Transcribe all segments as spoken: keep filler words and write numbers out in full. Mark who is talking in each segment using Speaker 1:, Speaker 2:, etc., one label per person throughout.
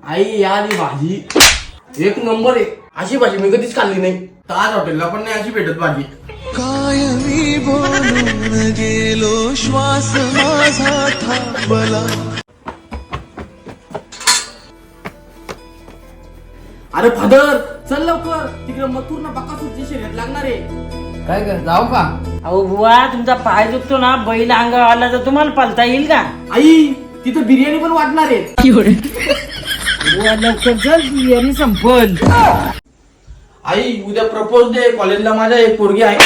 Speaker 1: आई आली भाजी एक नंबर आहे. अशी भाजी मी कधीच खाल्ली नाही. ताज हॉटेलला पण नाही अशी भेटत भाजी.
Speaker 2: कायमी बोलून गेलो श्वास माझा थांबला.
Speaker 1: अरे फादर चल लवकर तिकडे मथुर ना बकासूरची शर्यत लागणार आहे.
Speaker 3: काय कर जाऊ का?
Speaker 4: अहो बुवा तुमचा पाय दुखतो ना, बैल अंगावर आला तर तुम्हाला पळता येईल का?
Speaker 1: आई तिथं बिर्याणी पण वाटणार आहे.
Speaker 4: बुवा लवकर चल, बिर्याणी संपल.
Speaker 1: आई उद्या प्रपोज दे, कॉलेजला माझ्या एक पोरगी आहे.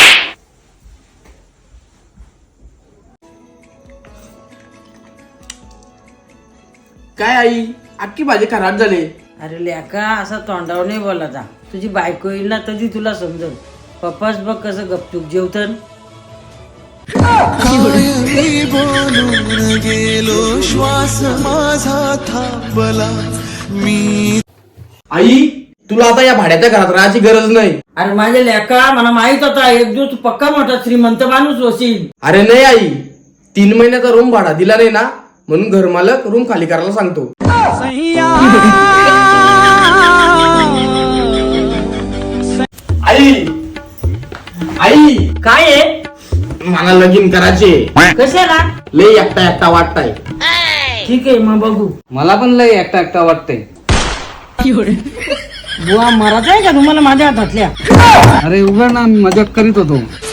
Speaker 1: काय आई अख्खी भाजी खराब झाली.
Speaker 4: अरे लेका असा तोंडावर नाही बोलायचा. तुझी बायको येईल ना तरी तुला समजल. पप्पाच बघ कसं गपचूप जेवतन.
Speaker 2: कायमी बोलून गेलो श्वास माझा थांबला. मी
Speaker 1: आई तुला आता या भाड्याच्या घरात राहायची गरज नाही.
Speaker 4: अरे माझ्या लेका मला माहित होता एक दिवस तू पक्का मोठा श्रीमंत माणूस होशील.
Speaker 1: अरे नाही आई तीन महिन्याचा रूम भाडा दिला नाही ना, म्हणून घर मालक रूम खाली करायला सांगतो. आई आई
Speaker 4: काय आहे?
Speaker 1: मला लगीन करायचे.
Speaker 4: कशाला?
Speaker 1: लय एकटा एकटा वाटताय.
Speaker 4: ठीक आहे मग बघू.
Speaker 3: मला पण लय एकटा एकटा वाटतंय.
Speaker 4: बुवा मरायचं आहे का तुम्हाला माझ्या हातातल्या?
Speaker 3: अरे उघड ना, मी मजाक करीत होतो.